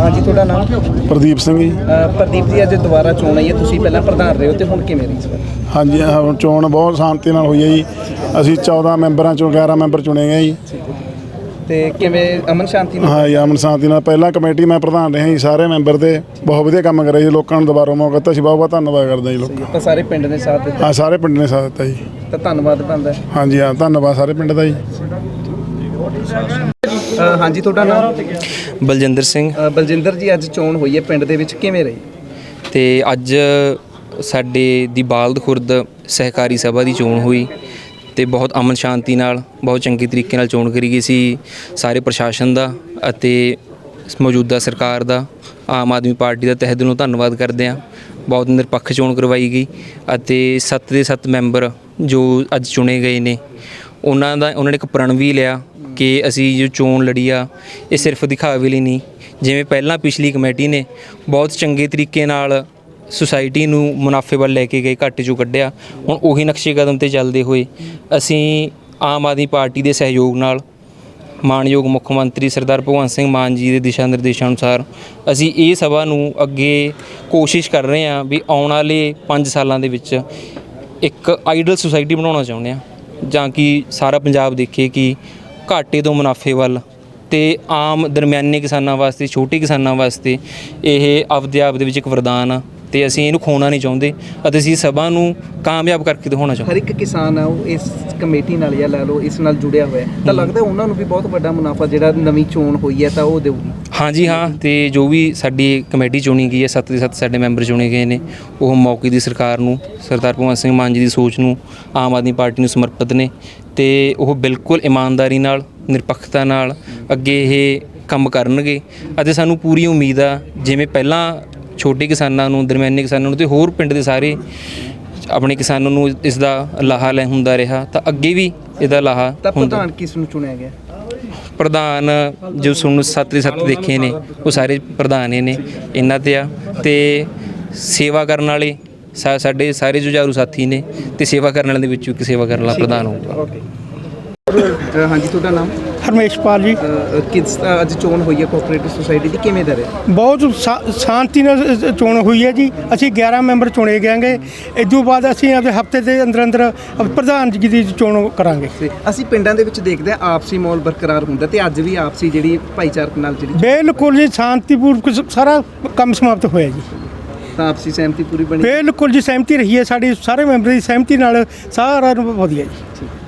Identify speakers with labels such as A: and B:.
A: हाँ जी, थोड़ा नाम?
B: प्रदीप सिंह जी।
A: प्रदीप जी, अज दोबारा चोण आई है, तुसीं पहलां प्रधान रहे हो तो हुण किवें रही इस बार?
B: हाँ जी, ਹੁਣ ਚੋਣ ਬਹੁਤ ਸ਼ਾਂਤੀ ਨਾਲ ਹੋਈ ਹੈ ਜੀ। ਅਸੀਂ 14 ਮੈਂਬਰਾਂ ਚੋਂ 11 ਮੈਂਬਰ ਚੁਣੇ ਗਏ ਜੀ।
A: ਤੇ ਕਿਵੇਂ ਅਮਨ ਸ਼ਾਂਤੀ ਨਾਲ?
B: ਹਾਂ ਜੀ, ਅਮਨ ਸ਼ਾਂਤੀ ਨਾਲ। ਪਹਿਲਾਂ ਕਮੇਟੀ ਮੈਂ ਪ੍ਰਧਾਨ ਰਿਹਾ ਜੀ। ਸਾਰੇ ਮੈਂਬਰ ਤੇ ਬਹੁਤ ਵਧੀਆ ਕੰਮ ਕਰਿਆ ਜੀ। ਲੋਕਾਂ ਨੂੰ ਦੁਬਾਰਾ ਮੌਕਾ ਦਿੱਤਾ। ਅਸੀਂ ਬਹੁਤ ਬਹੁਤ ਧੰਨਵਾਦ ਕਰਦੇ ਜੀ ਲੋਕਾਂ।
A: ਤਾਂ ਸਾਰੇ ਪਿੰਡ ਨੇ ਸਾਥ ਦਿੱਤਾ?
B: ਹਾਂ, ਸਾਰੇ ਪਿੰਡ ਨੇ ਸਾਥ ਦਿੱਤਾ ਜੀ।
A: ਤਾਂ ਧੰਨਵਾਦ ਬਣਦਾ।
B: ਹਾਂ ਜੀ, ਹਾਂ, ਧੰਨਵਾਦ ਸਾਰੇ ਪਿੰਡ ਦਾ ਜੀ।
A: हाँ जी, ਤੁਹਾਡਾ ਨਾਮ?
C: ਬਲਜਿੰਦਰ ਸਿੰਘ।
A: ਬਲਜਿੰਦਰ ਜੀ, ਅੱਜ ਚੋਣ ਹੋਈ ਹੈ ਪਿੰਡ ਦੇ ਵਿੱਚ, ਕਿਵੇਂ ਰਹੀ?
C: ਤੇ ਅੱਜ ਸਾਡੇ ਦੀ ਬਾਲਦ ਖੁਰਦ ਸਹਿਕਾਰੀ ਸਭਾ ਦੀ ਚੋਣ ਹੋਈ ਤੇ ਬਹੁਤ ਅਮਨ ਸ਼ਾਂਤੀ ਨਾਲ ਬਹੁਤ ਚੰਗੇ ਤਰੀਕੇ ਨਾਲ ਚੋਣ ਕਰੀ ਗਈ ਸੀ। ਸਾਰੇ ਪ੍ਰਸ਼ਾਸਨ ਦਾ ਅਤੇ ਮੌਜੂਦਾ ਸਰਕਾਰ ਦਾ, ਆਮ ਆਦਮੀ ਪਾਰਟੀ ਦਾ ਤਹਿ ਦਿਲੋਂ ਧੰਨਵਾਦ ਕਰਦੇ ਹਾਂ। ਬਹੁਤ ਨਿਰਪੱਖ ਚੋਣ ਕਰਵਾਈ ਗਈ ਅਤੇ 7 ਦੇ 7 ਮੈਂਬਰ ਜੋ ਅੱਜ ਚੁਣੇ ਗਏ ਨੇ ਉਹਨਾਂ ਨੇ ਇੱਕ ਪ੍ਰਣ ਵੀ ਲਿਆ ਕਿ ਅਸੀਂ ਜੋ ਚੋਣ ਲੜੀ ਆ ਇਹ ਸਿਰਫ ਦਿਖਾਵੇ ਲਈ ਨਹੀਂ। ਜਿਵੇਂ ਪਹਿਲਾਂ ਪਿਛਲੀ ਕਮੇਟੀ ਨੇ ਬਹੁਤ ਚੰਗੇ ਤਰੀਕੇ ਨਾਲ ਸੁਸਾਇਟੀ ਨੂੰ ਮੁਨਾਫੇ ਵੱਲ ਲੈ ਕੇ ਗਏ, ਘਾਟੇ 'ਚੋਂ ਕੱਢਿਆ, ਹੁਣ ਉਹੀ ਨਕਸ਼ੇ ਕਦਮ 'ਤੇ ਚੱਲਦੇ ਹੋਏ ਅਸੀਂ ਆਮ ਆਦਮੀ ਪਾਰਟੀ ਦੇ ਸਹਿਯੋਗ ਨਾਲ ਮਾਣਯੋਗ ਮੁੱਖ ਮੰਤਰੀ ਸਰਦਾਰ ਭਗਵੰਤ ਸਿੰਘ ਮਾਨ ਜੀ ਦੇ ਦਿਸ਼ਾ ਨਿਰਦੇਸ਼ਾਂ ਅਨੁਸਾਰ ਅਸੀਂ ਇਹ ਸਭਾ ਨੂੰ ਅੱਗੇ ਕੋਸ਼ਿਸ਼ ਕਰ ਰਹੇ ਹਾਂ ਵੀ ਆਉਣ ਵਾਲੇ 5 ਸਾਲਾਂ ਦੇ ਵਿੱਚ ਇੱਕ ਆਈਡਲ ਸੁਸਾਇਟੀ ਬਣਾਉਣਾ ਚਾਹੁੰਦੇ ਹਾਂ, ਜਾਂ ਕਿ ਸਾਰਾ ਪੰਜਾਬ ਦੇਖੇ ਕਿ ਘਾਟੇ ਤੋਂ ਮੁਨਾਫੇ ਵੱਲ ਤੇ ਆਮ ਦਰਮਿਆਨੇ ਕਿਸਾਨਾਂ ਵਾਸਤੇ, ਛੋਟੇ ਕਿਸਾਨਾਂ ਵਾਸਤੇ ਇਹ ਆਪਦੇ ਆਪ ਦੇ ਵਿੱਚ ਇੱਕ ਵਰਦਾਨ ਆ ਤੇ ਅਸੀਂ ਇਹਨੂੰ ਖੋਣਾ ਨਹੀਂ ਚਾਹੁੰਦੇ ਅਤੇ ਅਸੀਂ ਸਭਾ ਨੂੰ ਕਾਮਯਾਬ ਕਰਕੇ ਦਿਖਾਉਣਾ ਚਾਹੁੰਦੇ।
A: ਹਰ ਇੱਕ ਕਿਸਾਨ ਆ ਉਹ ਇਸ ਕਮੇਟੀ ਨਾਲ ਜਾਂ ਲੈ ਲਓ ਇਸ ਨਾਲ ਜੁੜਿਆ ਹੋਇਆ, ਤਾਂ ਲੱਗਦਾ ਉਹਨਾਂ ਨੂੰ ਵੀ ਬਹੁਤ ਵੱਡਾ ਮੁਨਾਫਾ ਜਿਹੜਾ ਨਵੀਂ ਚੋਣ ਹੋਈ ਹੈ ਤਾਂ ਉਹ ਦੇਊਗੀ।
C: ਹਾਂਜੀ ਹਾਂ, ਤੇ ਜੋ ਵੀ ਸਾਡੀ ਕਮੇਟੀ ਚੁਣੀ ਗਈ ਹੈ, 7 ਦੇ 7 ਸਾਡੇ ਮੈਂਬਰ ਚੁਣੇ ਗਏ ਨੇ, ਉਹ ਮੌਕੇ ਦੀ ਸਰਕਾਰ ਨੂੰ, ਸਰਦਾਰ ਭਗਵੰਤ ਸਿੰਘ ਮਾਨ ਜੀ ਦੀ ਸੋਚ ਨੂੰ, ਆਮ ਆਦਮੀ ਪਾਰਟੀ ਨੂੰ ਸਮਰਪਿਤ ਨੇ ਤੇ ਉਹ ਬਿਲਕੁਲ ਇਮਾਨਦਾਰੀ ਨਾਲ, ਨਿਰਪੱਖਤਾ ਨਾਲ ਅੱਗੇ ਇਹ ਕੰਮ ਕਰਨਗੇ ਅਤੇ ਸਾਨੂੰ ਪੂਰੀ ਉਮੀਦ ਆ ਜਿਵੇਂ ਪਹਿਲਾਂ ਛੋਟੇ ਕਿਸਾਨਾਂ ਨੂੰ, ਦਰਮਿਆਨੇ ਕਿਸਾਨਾਂ ਨੂੰ ਤੇ ਹੋਰ ਪਿੰਡ ਦੇ ਸਾਰੇ ਆਪਣੇ ਕਿਸਾਨਾਂ ਨੂੰ ਇਸ ਦਾ ਲਾਹਾ ਲੈ ਹੁੰਦਾ ਰਿਹਾ, ਤਾਂ ਅੱਗੇ ਵੀ ਇਹਦਾ ਲਾਹਾ
A: ਤਾਂ
C: ਹੁੰਦਾ।
A: ਪ੍ਰਧਾਨ ਕਿਸ ਨੂੰ ਚੁਣਿਆ ਗਿਆ?
C: ਪ੍ਰਧਾਨ ਜੋ ਤੁਹਾਨੂੰ 7 ਦੇ 7 ਦੇਖੇ ਨੇ ਉਹ ਸਾਰੇ ਪ੍ਰਧਾਨ ਨੇ ਇਹਨਾਂ 'ਤੇ ਆ ਤੇ ਸੇਵਾ ਕਰਨ ਵਾਲੇ ਸਾਡੇ ਸਾਰੇ ਜੁਝਾਰੂ ਸਾਥੀ ਨੇ ਤੇ ਸੇਵਾ ਕਰਨ ਵਾਲਿਆਂ ਦੇ ਵਿੱਚੋਂ ਇੱਕ ਸੇਵਾ ਕਰਨ ਵਾਲਾ ਪ੍ਰਧਾਨ ਹੋਊਗਾ।
A: हाँ जी, ਤੁਹਾਡਾ ਨਾਮ?
D: ਹਰਮੇਸ਼ਪਾਲ ਜੀ।
A: ਕਿਸ ਅੱਜ ਚੋਣ ਹੋਈ ਹੈ ਕੋਆਪਰੇਟਿਵ ਸੁਸਾਇਟੀ ਦੀ, ਕਿਵੇਂ ਦਾ ਰਿਹਾ?
D: ਬਹੁਤ ਸ਼ਾਂਤੀ ਨਾਲ ਚੋਣ ਹੋਈ ਹੈ ਜੀ। ਅਸੀਂ 11 ਮੈਂਬਰ ਚੁਣੇ ਗਏ। ਇਸ ਤੋਂ ਬਾਅਦ ਅਸੀਂ ਆਪਣੇ ਹਫਤੇ ਦੇ ਅੰਦਰ ਪ੍ਰਧਾਨ ਜੀ ਦੀ ਚੋਣ ਕਰਾਂਗੇ।
A: ਅਸੀਂ ਪਿੰਡਾਂ ਦੇ ਵਿੱਚ ਦੇਖਦੇ ਹਾਂ ਆਪਸੀ ਮਾਹੌਲ ਬਰਕਰਾਰ ਹੁੰਦਾ ਤੇ ਅੱਜ ਵੀ ਆਪਸੀ ਜਿਹੜੀ ਭਾਈਚਾਰਕ ਨਾਲ ਜਿਹੜੀ
D: ਬਿਲਕੁਲ ਜੀ ਸ਼ਾਂਤੀਪੂਰਵਕ ਸਾਰਾ ਕੰਮ ਸਮਾਪਤ ਹੋਇਆ ਜੀ।
A: ਤਾਂ ਆਪਸੀ ਸਹਿਮਤੀ ਪੂਰੀ ਬਣੀ?
D: ਬਿਲਕੁਲ ਜੀ, ਸਹਿਮਤੀ ਰਹੀ ਹੈ ਸਾਡੀ, ਸਾਰੇ ਮੈਂਬਰ ਦੀ ਸਹਿਮਤੀ ਨਾਲ ਸਾਰਾ ਵਧੀਆ ਜੀ।